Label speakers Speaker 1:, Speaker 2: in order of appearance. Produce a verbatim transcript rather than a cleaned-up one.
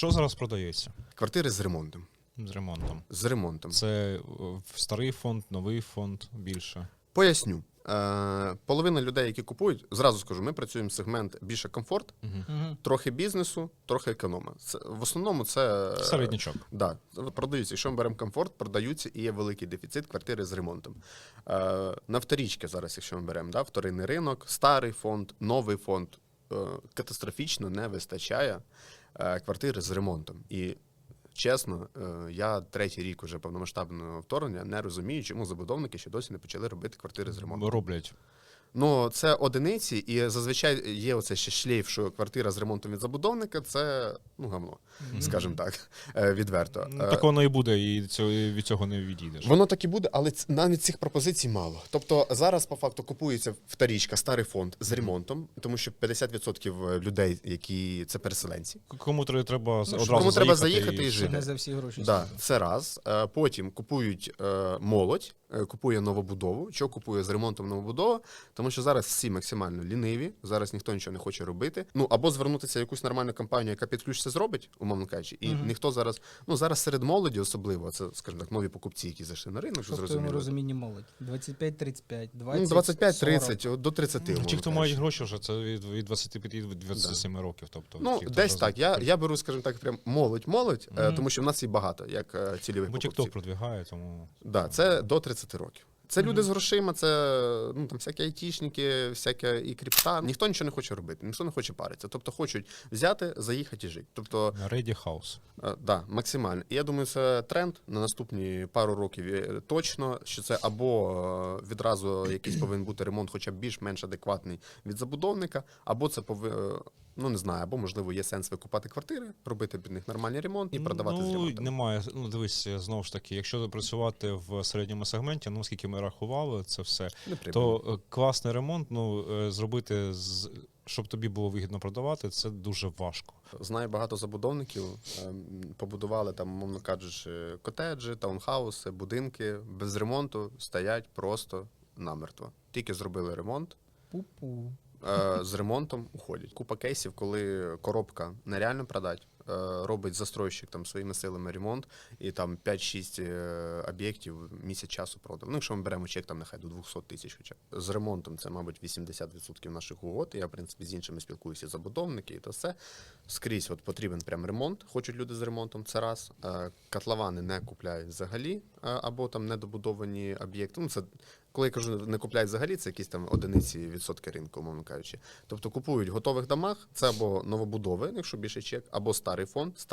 Speaker 1: Що зараз продається
Speaker 2: Квартири з ремонтом.
Speaker 1: з ремонтом?
Speaker 2: З ремонтом.
Speaker 1: Це е, старий фонд, новий фонд, більше?
Speaker 2: Поясню. Е, половина людей, які купують, зразу скажу, ми працюємо сегмент більше комфорт,
Speaker 1: Угу.
Speaker 3: Угу.
Speaker 2: трохи бізнесу, трохи економа. Це, в основному це...
Speaker 1: Середнячок.
Speaker 2: Да, продаються. Якщо ми беремо комфорт, продаються і є великий дефіцит квартири з ремонтом. Е, на вторічки зараз, якщо ми беремо, да, вторинний ринок, старий фонд, новий фонд, е, катастрофічно не вистачає е, квартири з ремонтом. І чесно, е, я третій рік уже повномасштабного вторгнення не розумію, чому забудовники ще досі не почали робити квартири з ремонтом.
Speaker 1: Роблять.
Speaker 2: Ну, це одиниці, і зазвичай є оце ще шлейф, що квартира з ремонтом від забудовника – це, ну, гамно, скажімо так, е, відверто.
Speaker 1: Ну, так воно і буде, і цього, і від цього не відійдеш.
Speaker 2: Воно так і буде, але ц- навіть цих пропозицій мало. Тобто зараз, по факту, купується вторічка, старий фонд з ремонтом, тому що п'ятдесят відсотків людей, які це переселенці.
Speaker 1: Кому тре- треба одразу
Speaker 2: кому треба
Speaker 1: заїхати
Speaker 2: заїхати і
Speaker 1: все.
Speaker 2: жити.
Speaker 3: Це не за всі гроші.
Speaker 2: Да, це раз. Е, Потім купують е, молодь, е, купує новобудову. Що купує з ремонтом новобудова? Тому що зараз всі максимально ліниві, зараз ніхто нічого не хоче робити. Ну, або звернутися в якусь нормальну компанію, яка під ключ це зробить, умовно кажучи, і
Speaker 3: Мгм.
Speaker 2: ніхто зараз, ну, зараз серед молоді особливо, це, скажімо так, нові покупці, які зайшли на ринок,
Speaker 3: Що в твоєму
Speaker 2: зрозуміло.
Speaker 3: розумінні молодь? двадцять п'ять тридцять п'ять, двадцять,
Speaker 2: Ну, двадцять п'ять
Speaker 3: сорок.
Speaker 2: тридцять, от до тридцяти.
Speaker 1: Ну,
Speaker 2: умовно
Speaker 1: ті, хто
Speaker 2: кажучи.
Speaker 1: мають гроші, вже це від, від двадцяти п'яти до двадцяти семи років. Тобто,
Speaker 2: Ну,
Speaker 1: ті, хто
Speaker 2: десь
Speaker 1: вже
Speaker 2: так. Я, я беру, скажімо так, прям молодь-молодь, е,
Speaker 3: Мгм.
Speaker 2: тому що в нас їх багато, як е, цільових
Speaker 1: Бо
Speaker 2: покупців.
Speaker 1: TikTok продвигає, тому...
Speaker 2: Да, це до тридцяти років. Це
Speaker 3: Мгм.
Speaker 2: люди з грошима, це ну там всякі айтішники, всяке і крипта. Ніхто нічого не хоче робити, ніхто не хоче паритися. Тобто хочуть взяти, заїхати і жити. Тобто,
Speaker 1: Ready House.
Speaker 2: е, да, максимально. І я думаю, це тренд на наступні пару років е, точно, що це або е, відразу якийсь повинен бути ремонт, хоча б більш-менш адекватний від забудовника, або це повинен. Ну, не знаю, або, можливо, є сенс викупати квартири, робити під них нормальний ремонт і продавати з
Speaker 1: Ну,
Speaker 2: ремонтом.
Speaker 1: немає. Ну, дивись, знову ж таки, якщо працювати в середньому сегменті, ну, скільки ми рахували це все, то е, класний ремонт, ну, е, зробити, з, щоб тобі було вигідно продавати, це дуже важко.
Speaker 2: Знаю багато забудовників, ем, побудували там, мовно кажучи, котеджі, таунхауси, будинки без ремонту стоять просто намертво. Тільки зробили ремонт,
Speaker 3: Пу-пу.
Speaker 2: е, з ремонтом уходять. Купа кейсів, коли коробка нереально продати, е, робить застройщик там своїми силами ремонт, і там п'ять-шість е, об'єктів місяць часу продав. Ну, якщо ми беремо чек, там нехай до двісті тисяч хоча б. З ремонтом це, мабуть, вісімдесят відсотків наших угод. Я, в принципі, з іншими спілкуюся, забудовники, і то все. Скрізь от потрібен прям ремонт, хочуть люди з ремонтом, це раз. Е, котловани не купляють взагалі, е, або там недобудовані об'єкти. Ну, це коли я кажу, не купляють взагалі, це якісь там одиниці відсотки ринку, умовно кажучи. Тобто купують в готових домах, це або новобудови, якщо більше чек, або старий фонд,